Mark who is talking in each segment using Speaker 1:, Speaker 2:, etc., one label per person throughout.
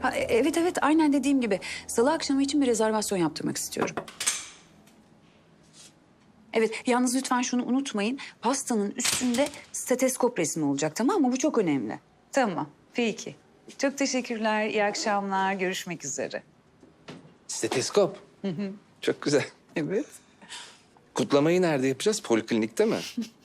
Speaker 1: Evet evet, aynen dediğim gibi. Salı akşamı için bir rezervasyon yaptırmak istiyorum. Evet, yalnız lütfen şunu unutmayın. Pastanın üstünde steteskop resmi olacak, tamam mı? Bu çok önemli. Tamam, peki. Çok teşekkürler, iyi akşamlar. Görüşmek üzere.
Speaker 2: Steteskop. Çok güzel.
Speaker 1: Evet.
Speaker 2: Kutlamayı nerede yapacağız? Poliklinikte mi?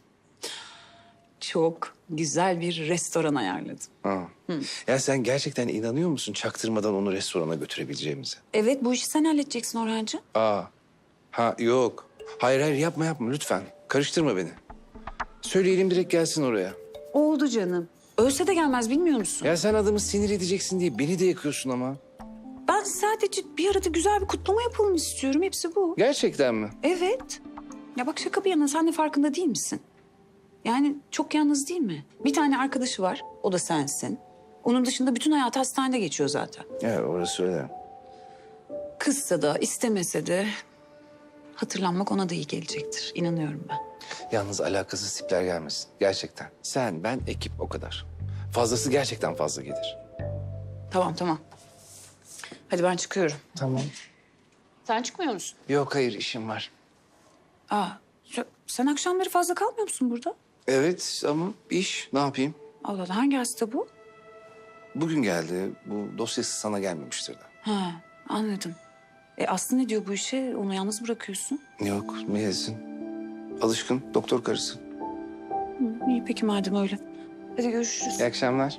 Speaker 1: Çok güzel bir restoran ayarladım.
Speaker 2: Ha. Ya sen gerçekten inanıyor musun çaktırmadan onu restorana götürebileceğimize?
Speaker 1: Evet, bu işi sen halledeceksin Orhancığım.
Speaker 2: Aa. Ha yok. Hayır yapma lütfen. Karıştırma beni. Söyleyelim direkt gelsin oraya.
Speaker 1: Oldu canım. Ölse de gelmez, bilmiyor musun?
Speaker 2: Ya sen adamı sinir edeceksin diye beni de yakıyorsun ama.
Speaker 1: Ben sadece bir arada güzel bir kutlama yapalım istiyorum. Hepsi bu.
Speaker 2: Gerçekten mi?
Speaker 1: Evet. Ya bak, şaka bir yana, sen de farkında değil misin? Yani çok yalnız değil mi? Bir tane arkadaşı var, o da sensin. Onun dışında bütün hayatı hastanede geçiyor zaten.
Speaker 2: Ya orası öyle.
Speaker 1: Kızsa da istemese de hatırlanmak ona da iyi gelecektir. İnanıyorum ben.
Speaker 2: Yalnız alakasız tipler gelmesin. Gerçekten. Sen, ben, ekip o kadar. Fazlası gerçekten fazla gelir.
Speaker 1: Tamam. Hadi ben çıkıyorum.
Speaker 2: Tamam.
Speaker 1: Sen çıkmıyor musun?
Speaker 2: Yok hayır işim var.
Speaker 1: Sen akşamları fazla kalmıyor musun burada?
Speaker 2: Evet ama iş ne yapayım?
Speaker 1: Allah Allah, hangi hasta bu?
Speaker 2: Bugün geldi. Bu dosyası sana gelmemiştir de.
Speaker 1: Ha, anladım. Aslı ne diyor bu işe? Onu yalnız bırakıyorsun.
Speaker 2: Yok ne yesin? Alışkın doktor karısı.
Speaker 1: İyi peki madem öyle. Hadi görüşürüz.
Speaker 2: İyi akşamlar.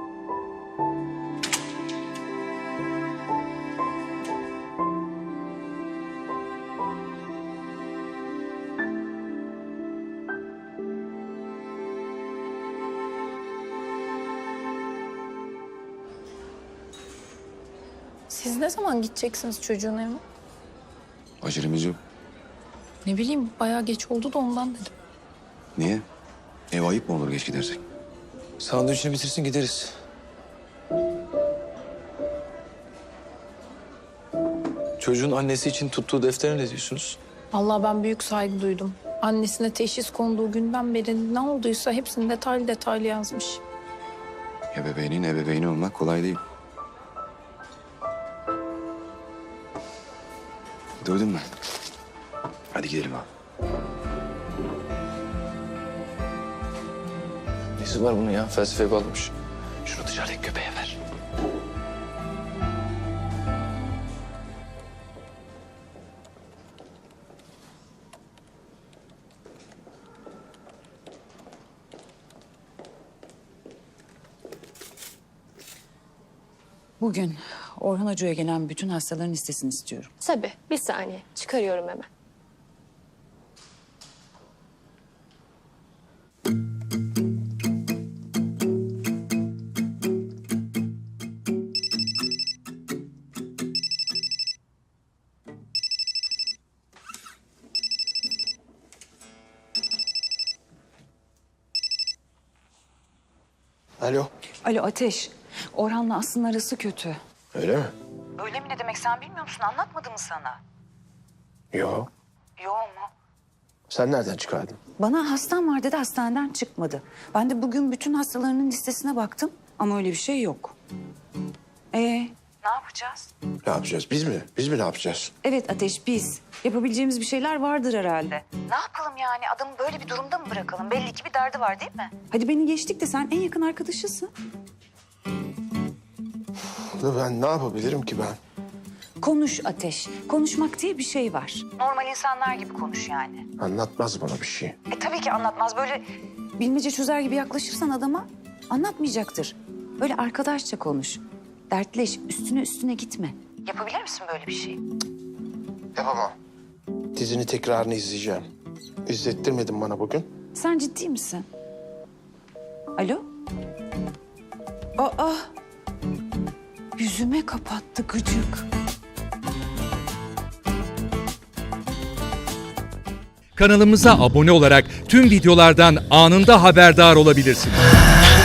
Speaker 3: Siz ne zaman gideceksiniz çocuğun evine?
Speaker 4: Acelemiz yok.
Speaker 3: Ne bileyim, bayağı geç oldu da ondan dedim.
Speaker 4: Niye? Ev ayıp mı olur geç gidersek?
Speaker 5: Sandviçini bitirsin gideriz. Çocuğun annesi için tuttuğu deftere ne diyorsunuz?
Speaker 3: Vallahi ben büyük saygı duydum. Annesine teşhis konduğu günden beri ne olduysa hepsini detaylı detaylı yazmış.
Speaker 4: Ebeveynin ebeveyni olmak kolay değil. Duydun mu? Hadi gidelim abi.
Speaker 5: Nesi var bunun ya? Felsefeye bağlamış.
Speaker 4: Şunu dışarıdaki köpeğe ver.
Speaker 1: Bugün Orhan Hoca'ya gelen bütün hastaların listesini istiyorum.
Speaker 6: Tabii, bir saniye. Çıkarıyorum hemen.
Speaker 5: Alo.
Speaker 1: Alo Ateş, Orhan'la Aslı'nın arası kötü.
Speaker 5: Öyle mi?
Speaker 1: Öyle mi ne demek, sen bilmiyor musun? Anlatmadı mı sana?
Speaker 5: Yo.
Speaker 1: Yok mu?
Speaker 5: Sen nereden çıkardın?
Speaker 1: Bana hastam var dedi, hastaneden çıkmadı. Ben de bugün bütün hastalarının listesine baktım ama öyle bir şey yok. Ne yapacağız?
Speaker 5: Ne yapacağız? Biz mi? Biz mi ne yapacağız?
Speaker 1: Evet Ateş, biz. Yapabileceğimiz bir şeyler vardır herhalde. Ne yapalım yani? Adamı böyle bir durumda mı bırakalım? Belli ki bir derdi var değil mi? Hadi beni geçtik de sen en yakın arkadaşısın.
Speaker 5: Ben ne yapabilirim ki ben?
Speaker 1: Konuş Ateş. Konuşmak diye bir şey var. Normal insanlar gibi konuş yani.
Speaker 5: Anlatmaz bana bir şey.
Speaker 1: Tabii ki anlatmaz. Böyle bilmece çözer gibi yaklaşırsan adama anlatmayacaktır. Böyle arkadaşça konuş. Dertleş, üstüne gitme. Yapabilir misin böyle bir şey?
Speaker 5: Yapamam. Dizini tekrarını izleyeceğim. İzlettirmedin bana bugün.
Speaker 1: Sen ciddi misin? Alo? Aa! Yüzüme kapattı gıcık.
Speaker 7: Kanalımıza abone olarak tüm videolardan anında haberdar olabilirsiniz.